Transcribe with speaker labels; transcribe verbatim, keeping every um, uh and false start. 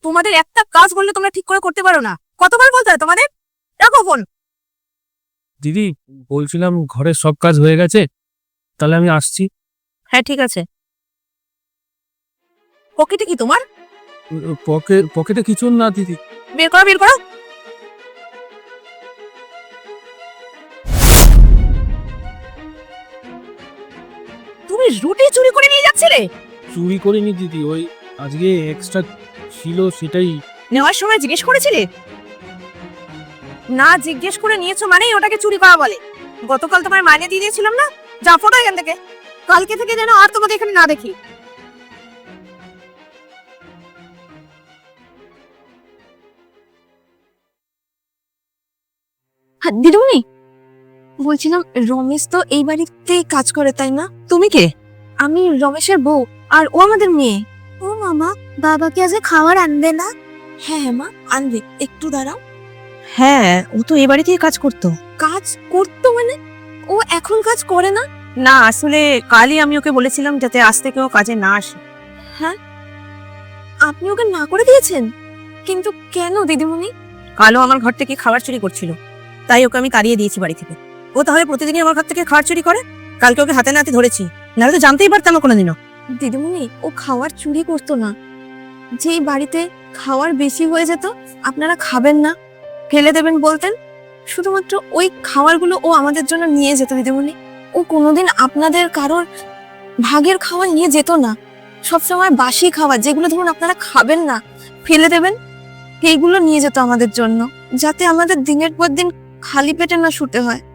Speaker 1: তোমাদের একটা কাজ বললে তোমরা ঠিক করে করতে পারো না। কতবার বলতে হয় তোমাদের? রাখো ফোন।
Speaker 2: দিদি বলছিলাম ঘরের সব কাজ হয়ে গেছে, তাহলে আমি আসছি।
Speaker 1: হ্যাঁ ঠিক আছে। পকেটে কি তোমার?
Speaker 2: পকেট পকেটে কিছু না দিদি।
Speaker 1: বের করো বের করো। তুমি রুটি চুরি করে নিয়ে যাচ্ছিলে?
Speaker 2: চুরি করিনি দিদি, ওই আজকে এক্সট্রা ছিল সেটাই।
Speaker 1: নেওয়ার সময় জিজ্ঞেস করেছিলে? না জিজ্ঞেস করে নিয়েছো মানেই ওটাকে চুরি করা বলে। গতকাল তোমার মাইনে দিয়ে দিয়েছিলাম না? যা ফটো এখান থেকে। কালকে থেকে যেন আর তোমাকে এখানে না দেখি। দিদিমণি, বলছিলাম রমেশ তো এই বাড়িতেই কাজ করে তাই না? তুমি কে? আমি রমেশের বউ, আর ও আমাদের মেয়ে। ও মামা, বাবাকে আজকে খাবার আনবে না? হ্যাঁ হ্যাঁ মা, আনবে, একটু দাঁড়াও। হ্যাঁ, ও তো এই বাড়িতেই কাজ করতো। কাজ করতো মানে? ও এখন কাজ করে না? না, আসলে কালই আমি ওকে বলেছিলাম যাতে আজ থেকে ও কাজে না আসে। হ্যাঁ, আপনি ওকে না করে দিয়েছেন? কিন্তু কেন দিদিমণি? কালও আমার ঘর থেকে খাবার চুরি করছিল, তাই ওকে আমি তাড়িয়ে দিয়েছি বাড়ি থেকে। ও তাহলে প্রতিদিনই আমার ঘর থেকে খাবার চুরি করে? কালকে ওকে হাতে নাতে ধরেছি, নাহলে তো জানতেই পারতাম না কোনোদিনও। দিদিমণি, ও খাবার চুরি করতো না। যেই বাড়িতে খাবার বেশি হয়ে যেত, আপনারা খাবেন না, ফেলে দেবেন বলতেন, শুধুমাত্র ওই খাবারগুলো ও আমাদের জন্য নিয়ে যেত দিদিমণি। ও কোনোদিন আপনাদের কারোর ভাগের খাবার নিয়ে যেত না। সবসময় বাসি খাবার, যেগুলো ধরুন আপনারা খাবেন না, ফেলে দেবেন, এইগুলো নিয়ে যেত আমাদের জন্য, যাতে আমাদের দিনের পর দিন খালি পেটে না শুতে হয়।